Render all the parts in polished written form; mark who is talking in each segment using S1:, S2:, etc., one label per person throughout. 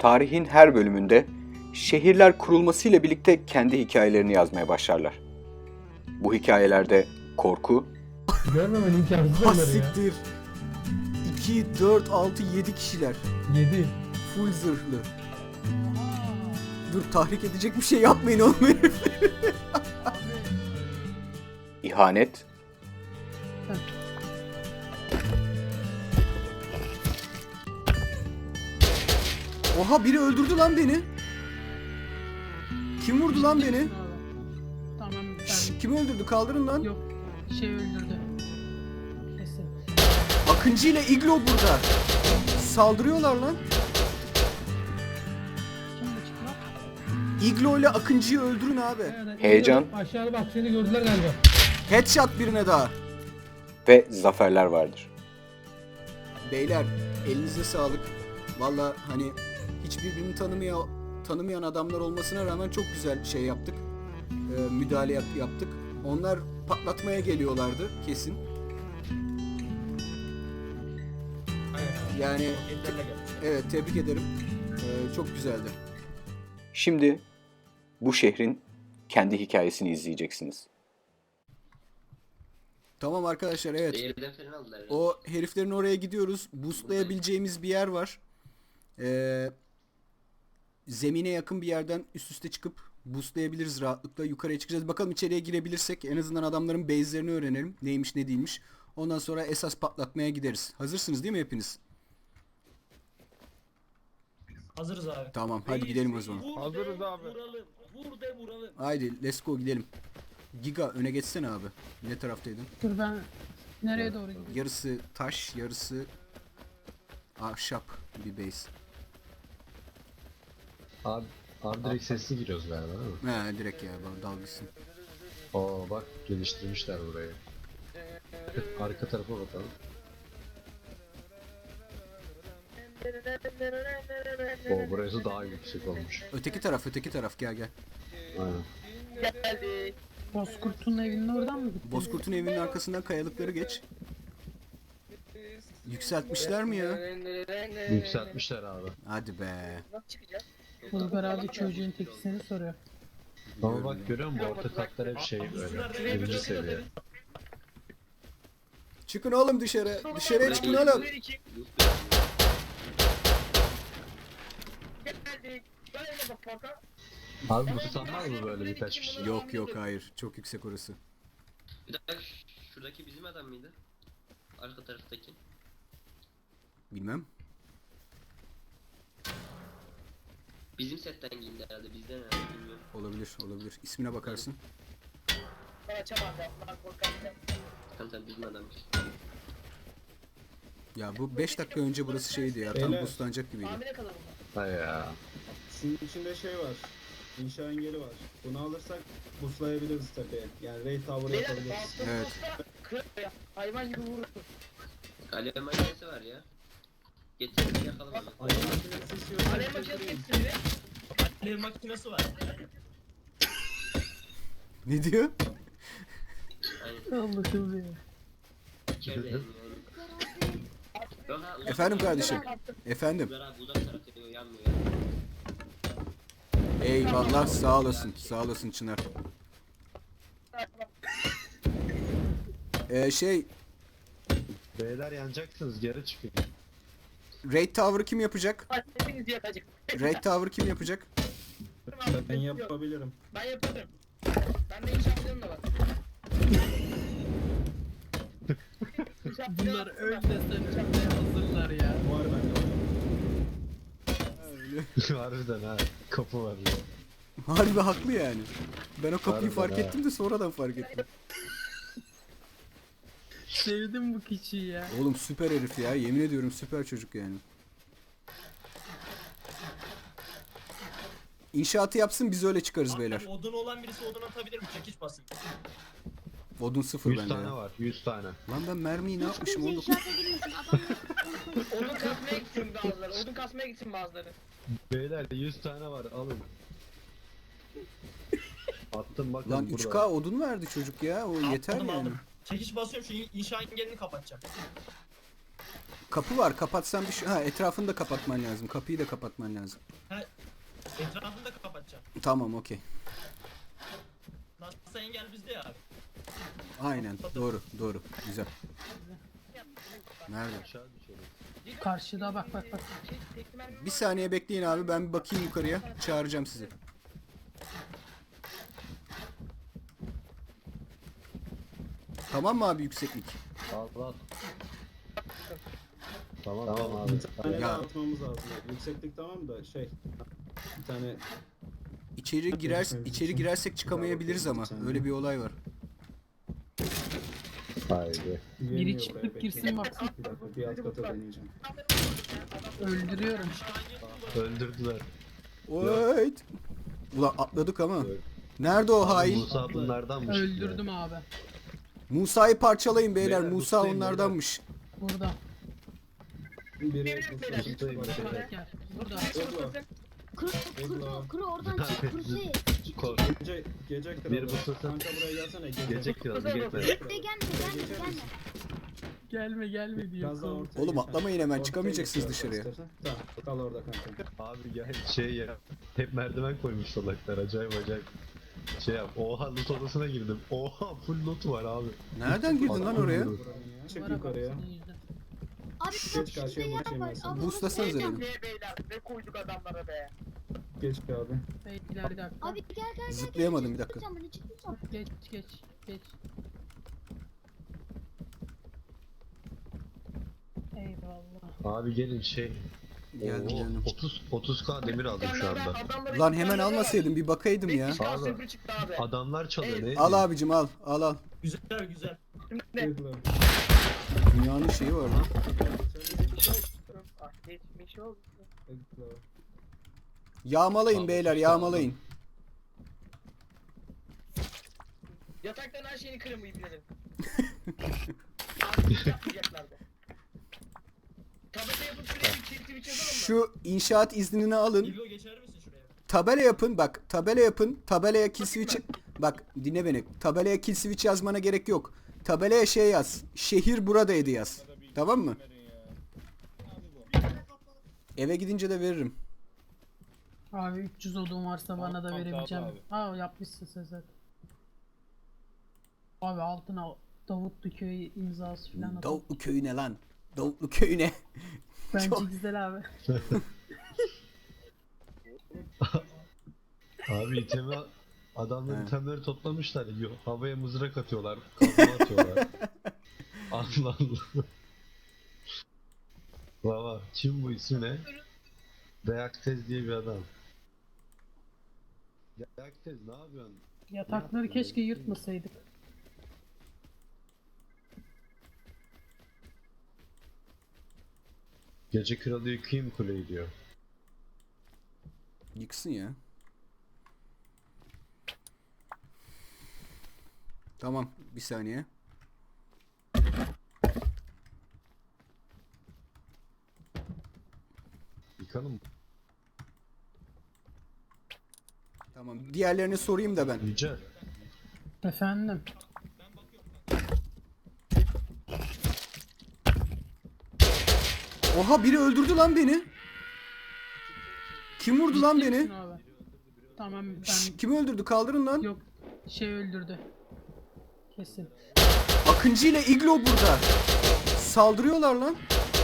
S1: Tarihin her bölümünde şehirler kurulmasıyla birlikte kendi hikayelerini yazmaya başlarlar. Bu hikayelerde korku,
S2: Görmemen imkansız
S3: Ha
S2: onları ya.
S3: siktir. 2, 4, 6, 7 kişiler.
S2: 7.
S3: Full zırhlı. Dur, tahrik edecek bir şey yapmayın oğlum herif.
S1: ihanet,
S3: Oha, biri öldürdü lan beni. Kim vurdu lan beni?
S4: Tamam ben
S3: Şşş, kim öldürdü? Kaldırın lan.
S4: yok şey öldürdü. Kesin.
S3: Akıncı ile Iglo burada. Saldırıyorlar lan.
S4: Kim bu çıkmak?
S3: Iglo ile Akıncı'yı öldürün abi.
S4: Evet,
S1: heyecan
S2: Aşağıda bak seni gördüler galiba.
S3: Headshot birine daha.
S1: ve zaferler vardır.
S3: Beyler, elinize sağlık. Valla hani hiç birbirini tanımayan adamlar olmasına rağmen çok güzel şey yaptık. Müdahale yaptık. Onlar patlatmaya geliyorlardı kesin. Yani evet, tebrik ederim. Çok güzeldi.
S1: Şimdi bu şehrin kendi hikayesini izleyeceksiniz.
S3: Tamam arkadaşlar, evet.
S5: Şehirden falan aldılar herhalde.
S3: O heriflerin oraya gidiyoruz. Boostlayabileceğimiz bir yer var. Zemine yakın bir yerden üst üste çıkıp boostlayabiliriz rahatlıkla. Yukarıya çıkacağız. Bakalım içeriye girebilirsek en azından adamların base'lerini öğrenelim. Neymiş ne değilmiş. Ondan sonra esas patlatmaya gideriz. Hazırsınız değil mi hepiniz?
S6: Hazırız abi.
S3: Tamam, hadi gidelim o zaman.
S6: Hazırız abi. Vuralım. Vur de vuralım.
S3: Haydi let's go, gidelim. Giga öne geçsene abi. Ne taraftaydın?
S4: Dur ben nereye doğru gidiyorum?
S3: Yarısı taş, yarısı ahşap bir base.
S7: Abi direkt sesli giriyoruz galiba değil mi?
S3: He direkt ya, bana dalgısın.
S7: Oo bak geliştirmişler burayı. Arka tarafa bakalım. Oo burası daha yüksek olmuş.
S3: Öteki taraf, gel gel.
S7: Aynen.
S4: Bozkurt'un evinin oradan mı gittin?
S3: Bozkurt'un evinin arkasından kayalıkları geç. Yükseltmişler mi ya?
S7: Yükseltmişler abi.
S3: Hadi be.
S4: Bulgar abi çocuğun tekisini soruyor.
S7: Ama bak görüyor musun? Orta katlar hep şey böyle. Birinci seviye.
S3: Çıkın oğlum dışarı. Dışarıya çıkın oğlum.
S7: Abi bu tutanmaz mı böyle birkaç kişi?
S3: Yok yok, hayır. Çok yüksek orası.
S5: Bir dakika, şuradaki bizim adam mıydı? Arka taraftaki.
S3: Bilmem.
S5: Bizim setten giyindi herhalde, bizden herhalde, bilmiyorum.
S3: Olabilir. İsmine bakarsın.
S5: Tamam bizim adammış.
S3: Ya bu 5 dakika önce burası şeydi ya. Tam boostlanacak gibiydi.
S7: Hay ya.
S8: Sizin içinde şey var. İnşa engeli var. Bunu alırsak buslayabiliriz tepeye. Yani raid tower yapabiliriz.
S3: Evet.
S4: Hayvan gibi vurur.
S5: Alev makinesi var ya. Getirin yakalım onu.
S8: Alev makinesi istiyorsan
S4: Alev makinesi
S8: getireyim.
S6: Alev makinesi var.
S3: Ne diyor?
S5: Aynen.
S4: Allah'ım ya.
S5: İçeride yani. Yok ha, uzak
S3: Efendim
S5: tarafta
S3: kardeşim.
S5: var.
S3: Efendim.
S5: Uzak abi, uzak tarafta yanmıyor.
S3: Eyvallah, sağ olasın. Sağ olasın Çınar. Şey,
S7: Beyler yanacaksınız geri çıkın.
S3: raid tower'ı kim yapacak?
S4: Hepiniz yakacak.
S3: Raid tower'ı kim yapacak?
S8: Ben yapabilirim.
S4: Ben yaparım. Bende inşaatlarım da var. Bunlar ölmesen ölmeye hazırlar ya.
S8: Var bende.
S7: Harbiden ha. Kapı var ya.
S3: Harbi haklı yani. Ben o kapıyı
S7: Harbiden
S3: fark
S7: ha.
S3: ettim de sonradan fark ettim.
S4: Sevdim bu kişiyi ya.
S3: Oğlum süper herif ya. Yemin ediyorum süper çocuk yani. İnşaatı yapsın, biz öyle çıkarız beyler.
S6: Odun olan birisi odun atabilir mi? Çekiç basın.
S3: Odun 0
S7: 100
S3: bende
S7: tane
S3: ya.
S7: var 100 tane.
S3: Lan ben mermiyi ne yapmışım?
S9: Kimse
S3: 19.
S9: inşaata girmesin adam.
S4: Odun kasmaya gitsin bazıları. Odun kasmaya gitsin bazıları.
S7: Beyler 100 tane var alın. Attım bakın
S3: Lan
S7: burada.
S3: 3K odun verdi çocuk ya. O yeter
S6: Aldım,
S3: yani.
S6: aldım. Çekiç basıyorum, şu inşa engelini kapatacağım.
S3: Kapı var. Kapatsan bir şey. Ha, etrafını da kapatman lazım. Kapıyı da kapatman lazım.
S6: Etrafını da kapatacağım.
S3: Tamam, okey.
S6: Nasılsa engel bizde ya abi.
S3: Aynen. Doğru. Doğru. Güzel. Nerede?
S9: Karşıda bak.
S3: Bir saniye bekleyin abi. Ben bir bakayım yukarıya. Çağıracağım sizi. Tamam mı abi yükseklik?
S7: Al. Tamam abi.
S8: Bir tane
S3: Ya.
S8: daha atmamız lazım. Yükseklik tamam da bir tane
S3: İçeri girersek çıkamayabiliriz ama. Öyle bir olay var.
S7: Haydi.
S8: güvenmiyor
S9: çıkıp
S8: buraya, bekle.
S9: girsin baksın.
S8: Bir dakika bir alt kata deneyeceğim.
S9: Öldürüyorum.
S7: Öldürdüler.
S3: Wait. Ulan atladık ama.
S7: Evet.
S3: Nerede o hain?
S7: Musa bunlardanmış.
S9: Öldürdüm abi.
S3: Musa'yı parçalayın beyler.
S7: Beyler,
S3: Musa
S7: Musa'yım
S3: onlardanmış.
S9: Burada.
S8: Biri
S9: Gel. Burada.
S8: Eglo.
S10: Kuru oradan çık kursi.
S7: Kork.
S8: Gece kralı.
S7: Bir bu sırtın-
S8: Kanka buraya gelsene.
S7: Gece kralı gitme.
S10: Bekle gelme.
S9: Gelme diyor.
S8: Biraz daha ortaya
S3: Oğlum
S8: geç.
S3: atlamayın hemen,
S8: Ortaya
S3: çıkamayacaksınız
S8: geç
S3: dışarıya.
S8: istersen. Tamam kal orada kanka.
S7: Abi gel ya. Hep merdiven koymuş salaklar. Acayip. Yap. Oha loot odasına girdim. Oha full loot var abi.
S3: Nereden girdin lan oraya?
S8: Buranın ya. Çık yukarıya.
S10: Abi
S8: Geç karşıya bakayım ben sana.
S3: Boostlasanıza beni.
S4: Ne beyler ne koyduk adamlara be.
S8: Geç abi.
S9: Beyler bir dakika.
S10: Abi gel.
S3: Zıplayamadım, bir dakika.
S9: Geç. Eyvallah.
S7: Abi gelin
S3: Geldim, geldim.
S7: 30k demir aldım şu anda.
S3: Lan hemen almasaydım, bir bakaydım ya.
S7: Abi.
S4: Çıktı abi.
S7: Adamlar çalıyor ne?
S3: Al abicim, al.
S6: Güzel.
S8: Eglo.
S3: Dünyanın şeyi var lan.
S4: Geçmiş oldu.
S8: Eglo.
S3: Yağmalayın beyler, yağmalayın.
S4: Yataktan her şeyini kırın ibnerin. Abi yapmayacaklardı. Tabela yapıp şuraya bir çift yazalım mı?
S3: Şu inşaat iznini alın.
S6: İlgo geçer misin şuraya?
S3: Tabela yapın, bak. Tabela yapın. Tabelaya kill switch... Bak dinle beni. Tabelaya kill switch yazmana gerek yok. Tabelaya şey yaz. Şehir buradaydı yaz. Tamam mı? Eve gidince de veririm.
S9: Abi 300 odun varsa bana da verebileceğim. Yapmışsın sen zaten. Abi altına Davutlu köyü imzası falan atalım.
S3: Davutlu köyüne lan. Davutlu köyüne.
S9: Bence
S3: çok-
S9: güzel abi.
S7: Abi adamlar
S3: He.
S7: itemleri toplamışlar. Havaya mızrak atıyorlar. Kazma atıyorlar. Allah Allah. Baba kim bu ismi ne? Deaktez diye bir adam. Deaktez ne yapıyorsun?
S9: Yatakları keşke yırtmasaydık.
S7: Gece kralı yıkayım kuleyi diyor.
S3: Yıksın ya. Tamam, bir saniye.
S7: Yıkalım mı?
S3: Tamam, diğerlerini sorayım da ben.
S7: Yücel.
S9: Efendim.
S3: Oha, biri öldürdü lan beni. Kim vurdu lan
S9: Ciddi
S3: beni?
S9: misin abi? Tamam
S3: Şşş,
S9: ben
S3: kim öldürdü? Kaldırın lan.
S9: yok öldürdü. Kesin.
S3: Akıncı ile Iglo burada. Saldırıyorlar lan.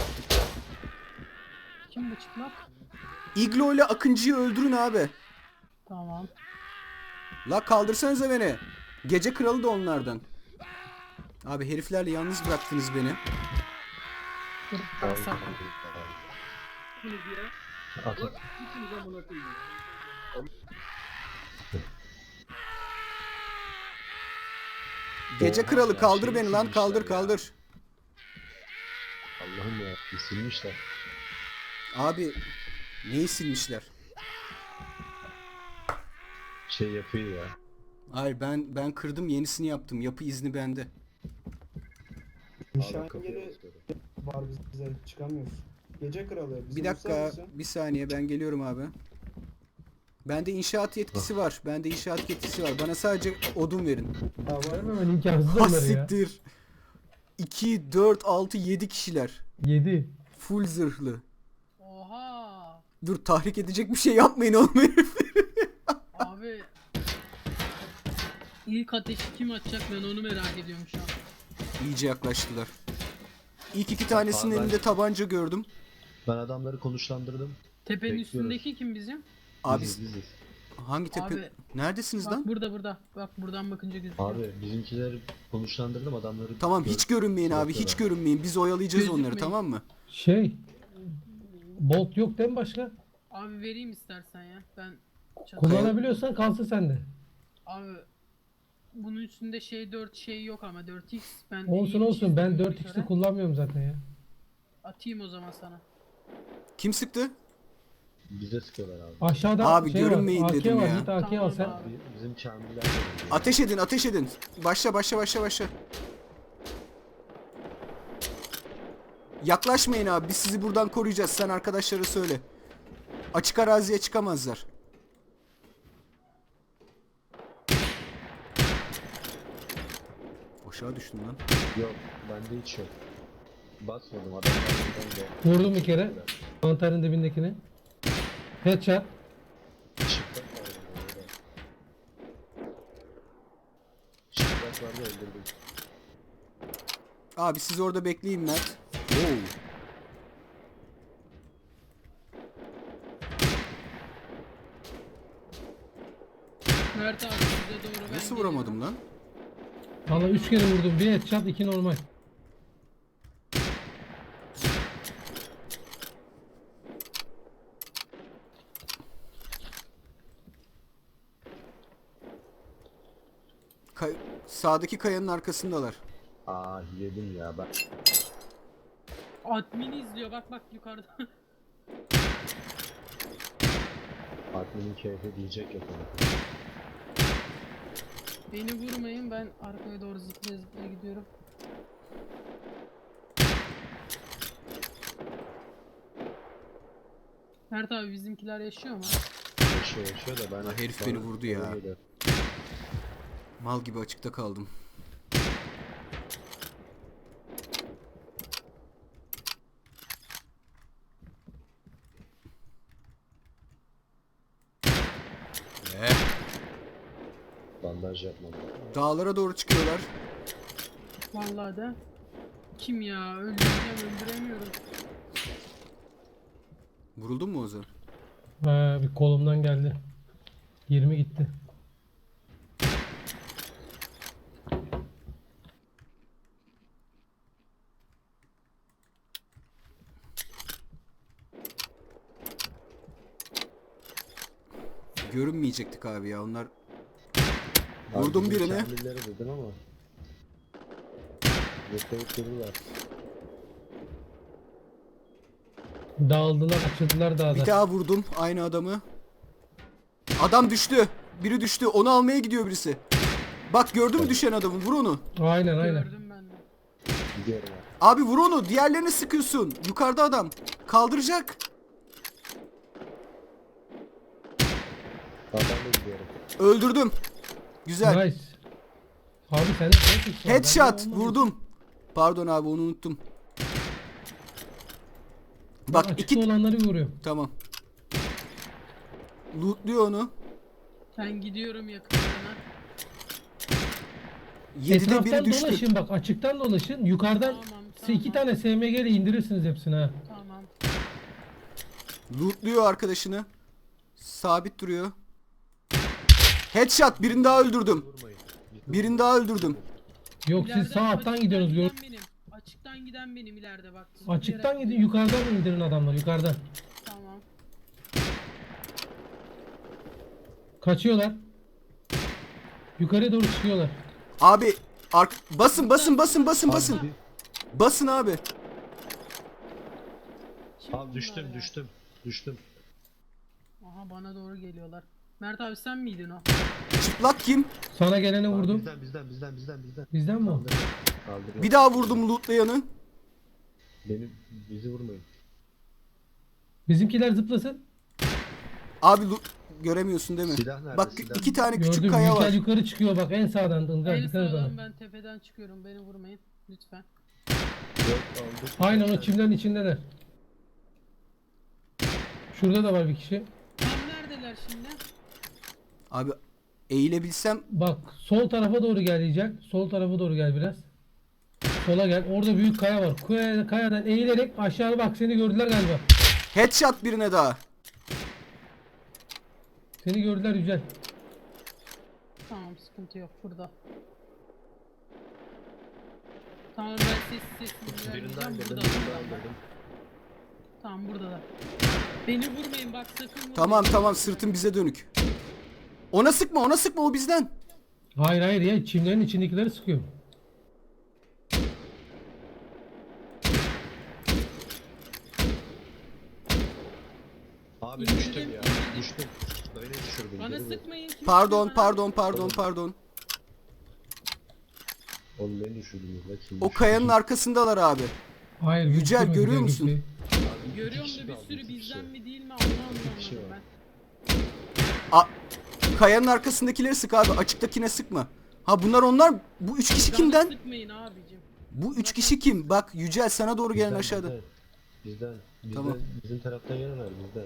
S9: Kim bu çıplak?
S3: Iglo ile Akıncı'yı öldürün abi.
S9: Tamam.
S3: La kaldırsanıza beni. Gece kralı da onlardan. Abi heriflerle yalnız bıraktınız beni.
S9: Dur ben sakın.
S3: Gece kralı kaldır
S7: Şeyi
S3: beni lan,
S7: silmişler
S3: kaldır
S7: ya.
S3: kaldır.
S7: Allah'ım ya silmişler.
S3: Abi neyi silmişler?
S7: Şey yapıyor ya.
S3: Hayır, ben kırdım, yenisini yaptım. Yapı izni bende.
S8: Nişan
S7: Abi kapıya
S8: yeri
S7: basıyorum.
S8: var bize çıkamıyoruz. Gece kralı. bizi
S3: Bir dakika,
S8: bulsar mısın?
S3: bir saniye, ben geliyorum abi. Bende inşaat yetkisi var. Bende inşaat yetkisi var. Bana sadece odun verin.
S8: Ha, var.
S2: Görmemen imkansız
S3: Ha
S2: onları ya.
S3: siktir. 2, 4, 6, 7 kişiler.
S2: 7.
S3: Full zırhlı.
S9: Oha.
S3: Dur, tahrik edecek bir şey yapmayın oğlum herif.
S9: Abi. İlk ateşi kim atacak ben onu merak ediyorum şu an.
S3: İyice yaklaştılar. İlk iki tanesinin
S7: Ben-
S3: elinde tabanca gördüm.
S7: Ben adamları konuşlandırdım.
S9: Tepenin
S7: Bekliyoruz.
S9: üstündeki kim bizim?
S3: Abi
S7: Biziz.
S3: hangi tepe?
S9: Abi,
S3: Neredesiniz
S9: Bak
S3: lan?
S9: burada. Bak buradan bakınca gözüküyor.
S7: Abi bizimkileri konuşlandırdım adamları.
S3: Tamam, hiç görünmeyin abi, hiç görünmeyin. Biz oyalayacağız onları,
S9: Gözükmeyin.
S3: tamam mı?
S2: Şey. Bolt yok değil mi başka?
S9: Abi vereyim istersen ya. Ben çatı-
S2: Kullanabiliyorsan kalsın sende.
S9: Abi bunun üstünde şey 4 şey yok ama 4x ben
S2: Olsun ben 4x'li kullanmıyorum zaten ya.
S9: atayım o zaman sana.
S3: Kim sıktı?
S7: Bize sıkıyorlar abi.
S2: Aşağıda
S3: Abi
S2: şey
S3: görünmeyin
S2: var, AK
S3: dedim
S2: var,
S3: ya.
S2: git AK al
S9: Tamam
S2: sen.
S9: abi.
S7: Bizim Kamiller de öyle.
S3: Ateş edin, ateş edin. Başla. Yaklaşmayın abi, biz sizi buradan koruyacağız. Sen arkadaşlara söyle. Açık araziye çıkamazlar. Aşağı düştüm lan.
S7: Yok bende hiç yok. Basmadım adamlardan da.
S2: Vurdum bir kere. Mantarın dibindekini. Headshot.
S7: Çıplak var orada. Çıplak vardı öldürdüm.
S3: Abi siz orada bekleyin Mert. Oo.
S9: Mert abi size doğru ben
S3: Nasıl
S9: geliyorum.
S3: vuramadım lan?
S2: Valla 3 kere vurdum. Bir headshot 2 normal.
S3: Sağdaki kayanın arkasındalar.
S7: Aa yedim ya ben.
S9: Admin izliyor bak yukarıda.
S7: Admin'in keyfi diyecek yok ona.
S9: Beni vurmayın ben arkaya doğru zıplaya gidiyorum. Mert abi bizimkiler yaşıyor mu?
S7: Yaşıyor da ben...
S3: La herif
S7: bana
S3: beni vurdu ya.
S7: öyle geliyor.
S3: Mal gibi açıkta kaldım.
S7: Bandaj yapmadım.
S3: Dağlara doğru çıkıyorlar.
S9: Vallahi de. Kim ya? Öldüremiyorum.
S3: Vuruldun mu Ozan?
S2: Ha, bir kolumdan geldi. 20 gitti.
S3: Görünmeyecektik abi ya, onlar.
S7: Abi
S3: Vurdum
S7: bizim
S3: birini.
S7: Kamilleri dedim ama... Yakalayıp durdular.
S2: Dağıldılar, açıldılar
S3: Bir
S2: dağda.
S3: daha vurdum aynı adamı. Adam düştü. Biri düştü. Onu almaya gidiyor birisi. Bak gördün mü düşen adamı? Vur onu.
S2: Aynen.
S9: Gördüm ben de.
S7: Gidiyorum abi.
S3: Abi vur onu. Diğerlerini sıkıyorsun. Yukarıda adam. Kaldıracak.
S7: Ben de gidiyorum.
S3: Öldürdüm. Güzel.
S2: Nice. Abi sen de
S3: Headshot. Vurdum. Pardon abi, onu unuttum.
S2: Bak
S3: Bak
S2: açıkta
S3: iki...
S2: olanları vuruyor.
S3: Tamam. Lootluyor onu.
S9: Ben gidiyorum yakınlarına.
S3: 7'de biri
S2: Etraftan
S3: düştü.
S2: dolaşın bak, açıktan dolaşın. Yukarıdan
S9: Tamam,
S2: size 2
S9: tamam.
S2: tane SMG ile indirirsiniz hepsini ha.
S9: Tamam.
S3: Lootluyor arkadaşını. Sabit duruyor. Headshot. Birini daha öldürdüm.
S7: Vurmayın.
S3: Birini daha öldürdüm.
S2: Yok
S9: İleride
S2: siz sağ alttan
S9: açıktan
S2: gidiyorsunuz.
S9: giden benim. Açıktan giden benim ileride bak.
S2: Açıktan gidin, yukarıdan indirin adamları, yukarıdan.
S9: Tamam.
S2: Kaçıyorlar. Yukarıya doğru çıkıyorlar.
S3: Abi basın. Basın abi.
S9: Kim
S7: Abi düştüm
S9: bunlar ya?
S7: düştüm.
S9: Aha bana doğru geliyorlar. Mert abi sen miydin o?
S3: Çıplak kim?
S2: Sana gelene
S7: Abi
S2: vurdum.
S7: bizden.
S2: Bizden mi o?
S7: Kaldırın.
S3: Bir daha vurdum lootlayanı.
S7: Bizi vurmayın.
S2: Bizimkiler zıplasın.
S3: Abi göremiyorsun değil mi?
S7: Silah nerede,
S3: Bak
S7: silah?
S3: 2 tane küçük
S2: Gördüm,
S3: kaya var.
S2: Yükel yukarı çıkıyor bak en sağdan. Ilgaz
S9: En
S2: dikkat et
S9: sağdan
S2: ona.
S9: ben tepeden çıkıyorum. Beni vurmayın. Lütfen.
S7: Dört aldık.
S2: Aynen o çimlerin içindeler. Şurada da var bir kişi.
S9: Tam neredeler şimdi?
S3: Abi eğilebilsem
S2: Bak sol tarafa doğru gel diyecek. Sol tarafa doğru gel biraz. Sola gel. Orada büyük kaya var. Kayadan eğilerek aşağı bak, seni gördüler galiba.
S3: headshot birine daha.
S2: Seni gördüler Yücel.
S9: Tamam, sıkıntı yok burada. Tamam, ben sessiz
S7: Birinden
S9: burada.
S7: girdim,
S9: Burada.
S7: birinden girdim.
S9: Tamam, buradalar. Beni vurmayın bak, sakın vurmayın.
S3: Tamam sırtın bize dönük. Ona sıkma o bizden.
S2: Hayır ya, çimlerin içindekileri sıkıyor.
S7: Abi
S9: İndirdim,
S7: düştüm ya.
S9: indirdim.
S7: Düştüm. Beni düşürdün.
S9: Bana
S7: geri vur.
S9: sıkmayın. Kim
S3: Pardon
S9: sıkıyor bana?
S7: Oğlum beni düşürdün ya. Kim
S3: O
S7: düşürdü?
S3: kayanın arkasındalar abi.
S2: Hayır.
S3: Yücel,
S2: gözükmüyor
S3: görüyor
S2: kimseyi.
S3: musun?
S7: Abi iki
S9: Görüyorum
S7: kişi
S9: da bir
S7: kaldı,
S9: sürü
S7: iki kişi.
S9: bizden mi değil mi onu
S7: kişi
S9: anlamadım
S7: var.
S9: ben.
S3: Kayanın arkasındakileri sık abi. Açıktakine sıkma. Ha bunlar onlar. Bu 3 kişi kimden?
S9: Bana sıkmayın abicim.
S3: Bu 3 kişi kim? Bak Yücel sana doğru gelen
S7: Bizden,
S3: aşağıda.
S7: Bizden.
S3: Tamam.
S7: Bizim taraftan yanılar bizden.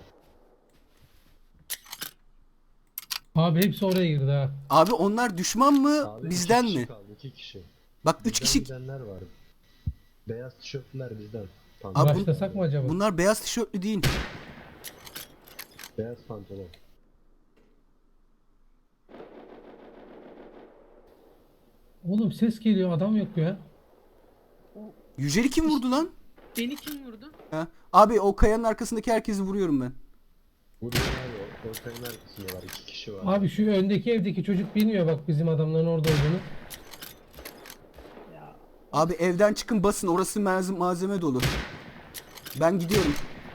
S2: Abi hepsi oraya girdi ha.
S3: Abi onlar düşman mı?
S7: Abi
S3: Bizden
S7: iki kişi
S3: mi?
S7: kaldı, iki kişi.
S3: Bak 3
S7: Bizden
S3: kişi.
S7: gidenler var. Beyaz tişörtler bizden.
S3: Abi
S7: Pantolon.
S2: Başlasak mı acaba?
S3: Bunlar beyaz tişörtlü değil.
S7: Beyaz pantolon.
S2: Oğlum ses geliyor, adam yok ya.
S3: Yücel'i kim vurdu lan?
S9: Beni kim vurdu?
S3: Ha? Abi o kayanın arkasındaki herkesi vuruyorum ben.
S7: Vuruyor abi. Ortanın arkasında var. İki kişi var.
S2: Abi şu öndeki evdeki çocuk bilmiyor bak bizim adamların orada olduğunu.
S3: Abi evden çıkın basın, orası malzeme dolu. Ben gidiyorum.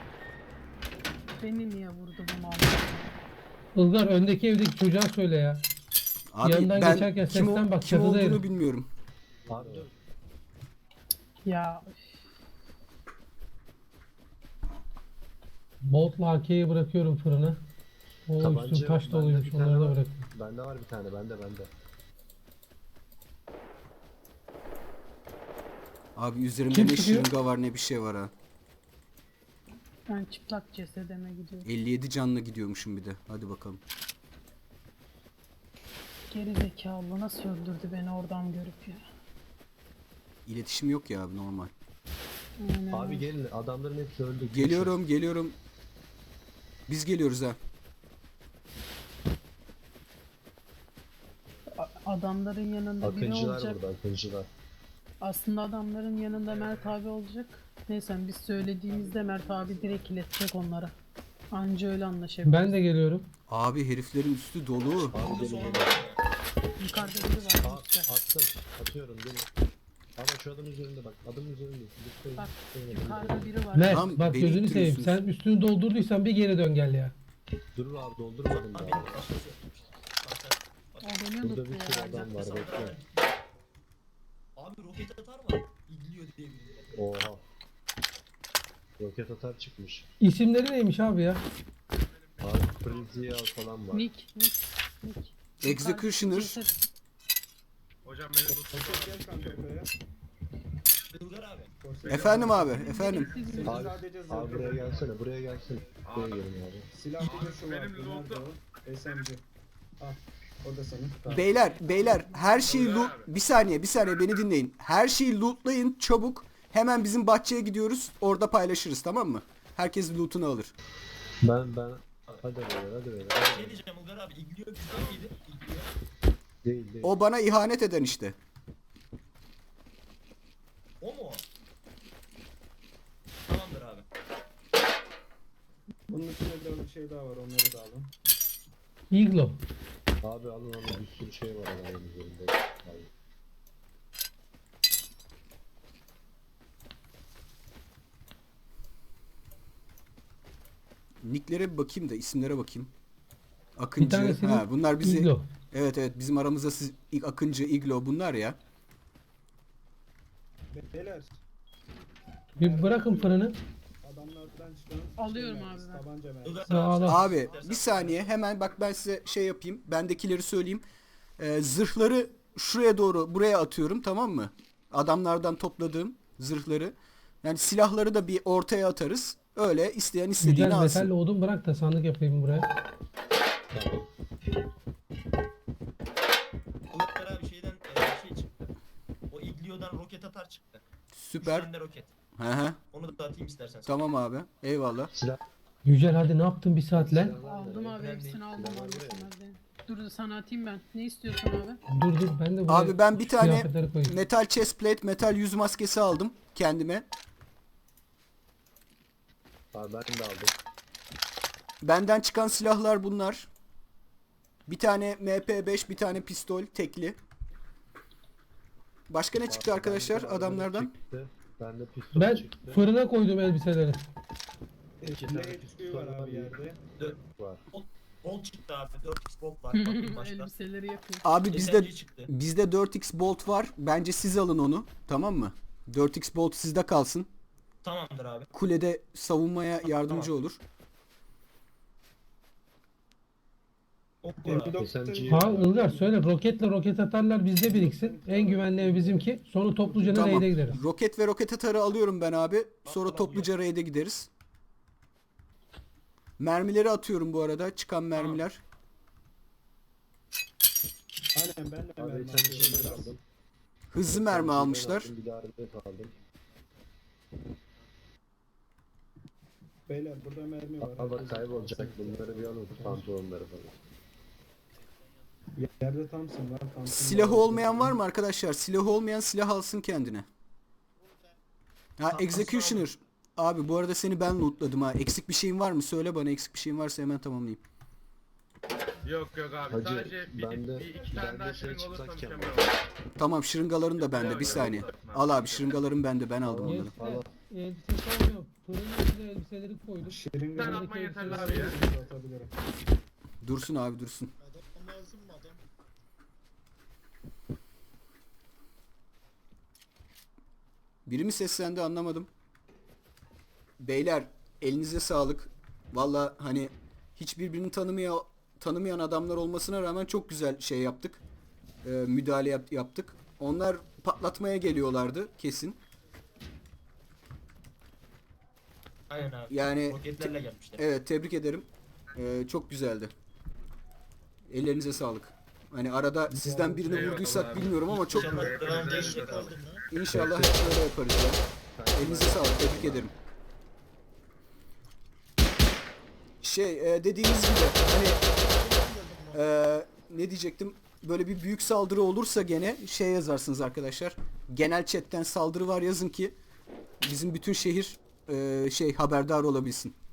S9: Beni niye vurdu bu mal?
S2: Ilgar öndeki evdeki çocuğa söyle ya.
S3: Abi
S2: Yanından
S3: ben
S2: geçerken
S3: kim,
S2: sesten bak,
S3: kim
S2: çatıda
S3: olduğunu
S2: herif.
S3: bilmiyorum.
S7: Abi dur.
S9: Ya
S2: Bolt'la AK'yi bırakıyorum fırına. O
S7: Tabanca
S2: üstün taş
S7: bende
S2: doluymuş,
S7: bir tane
S2: onları da
S7: var.
S2: bırakıyorum.
S7: Bende var bir tane. Bende.
S3: Abi üzerimde
S2: Kim
S3: ne
S2: çıkıyor?
S3: şırınga var ne bir şey var ha.
S9: ben çıplak cesedeme gidiyorum.
S3: 57 canla gidiyormuşum bir de. Hadi bakalım.
S9: Geri zekalı nasıl öldürdü beni oradan görüp ya.
S3: İletişim yok ya abi, normal.
S9: Aynen.
S7: Abi gelin. Adamların hepsi öldü.
S3: Geliyorum. Biz geliyoruz ha.
S9: Adamların yanında biri
S7: Akıncılar
S9: olacak.
S7: burada. Akıncılar.
S9: Aslında adamların yanında Mert abi olacak. Neyse biz söylediğimizde Mert abi direkt iletecek onlara. Anca öyle anlaşabiliriz.
S2: Ben de geliyorum.
S3: Abi heriflerin üstü dolu.
S7: Abi gelin gelin.
S9: Yukarıda biri var.
S7: Aa,
S9: işte.
S7: attım. Atıyorum gelin. Ama şu adamın üzerinde bak. Adamın üzerinde. Lütfen.
S9: Bak,
S7: Lütfen.
S9: Yukarıda biri var.
S2: Mert
S3: Lan
S2: bak
S3: beni
S2: gözünü seveyim.
S3: ittiriyorsunuz.
S2: Sen üstünü doldurduysan bir geri dön gel ya.
S7: Dur abi doldurmadım
S6: Abi
S7: daha.
S9: O beni
S7: Burada bir
S9: unuttu
S7: sürü
S9: ya.
S7: adam var bekle.
S6: Abi roket atar mı? İdliyor diye biliyorum.
S7: Oha. Roket atar çıkmış.
S2: İsimleri neymiş abi ya?
S7: Abi Frizial falan var.
S9: Nick.
S3: Executioner.
S9: Ceset-
S8: Gel kanka buraya.
S6: Ilgar abi.
S3: Efendim abi, efendim.
S8: Seni
S7: Abi,
S8: sadece
S7: abi
S8: zırhlı.
S7: buraya gelsene. Buraya gelsene. Buraya gelin abi.
S8: Silah bir de şu vardı. Nerede o? SMG. Al. O da senin. Tamam.
S3: Beyler her şeyi loot... Bir saniye beni dinleyin. Her şeyi lootlayın çabuk. Hemen bizim bahçeye gidiyoruz. Orada paylaşırız, tamam mı? Herkes loot'unu alır.
S7: Ben hadi böyle.
S6: Şey diyeceğim Ilgar abi. İdliyor bizden miydi? İdliyor.
S7: Değil.
S3: O bana ihanet eden işte.
S6: O mu o? Tamamdır abi.
S8: Bunun üstünde biraz bir şey daha var. Onları da alın.
S2: Iglo.
S7: Abi alın bir sürü şey var adamın üzerinde. Abi.
S3: Nicklere bir bakayım da isimlere bakayım.
S2: Bir
S3: Akıncı.
S2: tanesinin
S3: Ha, bunlar bizi...
S2: Iglo.
S3: Evet bizim aramızda Akıncı, Iglo bunlar ya.
S8: Beyler.
S2: Bir bırakın fırını.
S8: Adamlardan çıkan
S9: Alıyorum
S8: şey
S9: abi
S8: mermisi,
S9: ben.
S8: tabanca mermisi.
S6: Ilgar
S2: Sağ ol.
S3: Abi bir saniye hemen bak ben size şey yapayım. Bendekileri söyleyeyim. Zırhları şuraya doğru buraya atıyorum, tamam mı? Adamlardan topladığım zırhları. Yani silahları da bir ortaya atarız. Öyle isteyen istediğini
S2: Güzel
S3: alsın.
S2: metalle odun bırak da sandık yapayım buraya.
S7: Tamam.
S6: Uluklar abi şeyden şey çıktı. O iglio'dan roket atar çıktı. 3
S3: Süper.
S6: tane de roket.
S3: Hı hı.
S6: Onu da atayım istersen.
S3: Tamam abi. Eyvallah.
S7: Silah.
S2: Yücel hadi ne yaptın bir saatle?
S9: Aldım abi
S6: Önemli
S9: hepsini
S6: değil.
S9: aldım abi. Dur sana atayım ben. Ne istiyorsun abi?
S2: Dur ben de buraya
S3: Abi ben bir tane
S2: kıyafetleri koyayım.
S3: metal chestplate, metal yüz maskesi aldım kendime.
S7: Abi ben de aldım.
S3: Benden çıkan silahlar bunlar. Bir tane MP5, bir tane pistol tekli. Başka ne çıktı arkadaşlar
S7: Bende
S3: adamlardan?
S7: çıktı. Bende pistol
S2: Ben
S7: çıktı.
S2: fırına koydum elbiseleri.
S7: 2
S8: Ne
S7: tane
S8: HP
S7: pistol
S8: var abi yerde?
S7: var.
S6: Bolt çıktı abi. 4x bolt var. Bakayım başka.
S9: Elbiseleri yapıyor.
S3: Abi bizde
S6: SMG çıktı.
S3: 4x bolt var. Bence siz alın onu. Tamam mı? 4x bolt sizde kalsın.
S6: Tamamdır abi.
S3: Kulede savunmaya yardımcı olur.
S6: Ok var abi.
S7: SMG.
S2: Ha Ilgar söyle roketle roket atarlar bizde biriksin. En güvenli ev bizimki. Sonra topluca nereye
S3: Tamam.
S2: gideriz?
S3: Roket ve roket atarı alıyorum ben abi. Sonra topluca raid'e gideriz. Mermileri atıyorum bu arada. Çıkan mermiler.
S8: Aynen ben de
S7: Abi
S8: mermi
S7: SMG'den
S8: atıyorum.
S7: aldım.
S3: Hızlı mermi almışlar.
S7: Bir de arbet aldım.
S8: Beyler burada mermi var.
S7: Al bak kaybolacak. Bunları bir alın. Pantolonları falan.
S8: Yerde Thompson var. Thompson
S3: Silahı olmayan var mı arkadaşlar? Silahı olmayan silah alsın kendine. Ha Executioner. Abi bu arada seni ben lootladım ha. Eksik bir şeyin var mı? Söyle bana, eksik bir şeyin varsa hemen tamamlayayım.
S4: Yok abi
S7: Hacı,
S4: sadece
S7: bende-
S4: bir iki tane
S7: bende
S4: daha
S7: şey
S4: şırınga olursa
S7: çıplak
S4: mükemmel
S7: cam
S4: olur.
S3: Tamam, şırıngaların da bende. Bir saniye. Al abi, şırıngaların bende. Ben aldım onları.
S2: Elbisesi olmuyor. Fırının içine elbiseleri koyduk.
S8: Şırınga
S4: Sen
S8: var.
S4: atman yeterli abi ya.
S8: Atabilirim.
S3: Dursun abi, dursun. Biri mi seslendi anlamadım. Beyler elinize sağlık. Valla hani hiç birbirini tanımayan adamlar olmasına rağmen çok güzel şey yaptık. Müdahale yaptık. Onlar patlatmaya geliyorlardı kesin.
S6: Aynen abi.
S3: Yani
S6: Roketlerle gelmişler.
S3: evet, tebrik ederim. Çok güzeldi. Ellerinize sağlık. Hani arada sizden birini
S4: eyvallah
S3: vurduysak
S4: abi.
S3: bilmiyorum ama çok
S6: İnşallah devam değişecek abi.
S3: inşallah hep böyle yaparız ya. Elinize sağlık, tebrik ederim. Dediğiniz gibi hani ne diyecektim? Böyle bir büyük saldırı olursa gene yazarsınız arkadaşlar. Genel chatten saldırı var yazın ki bizim bütün şehir haberdar olabilsin.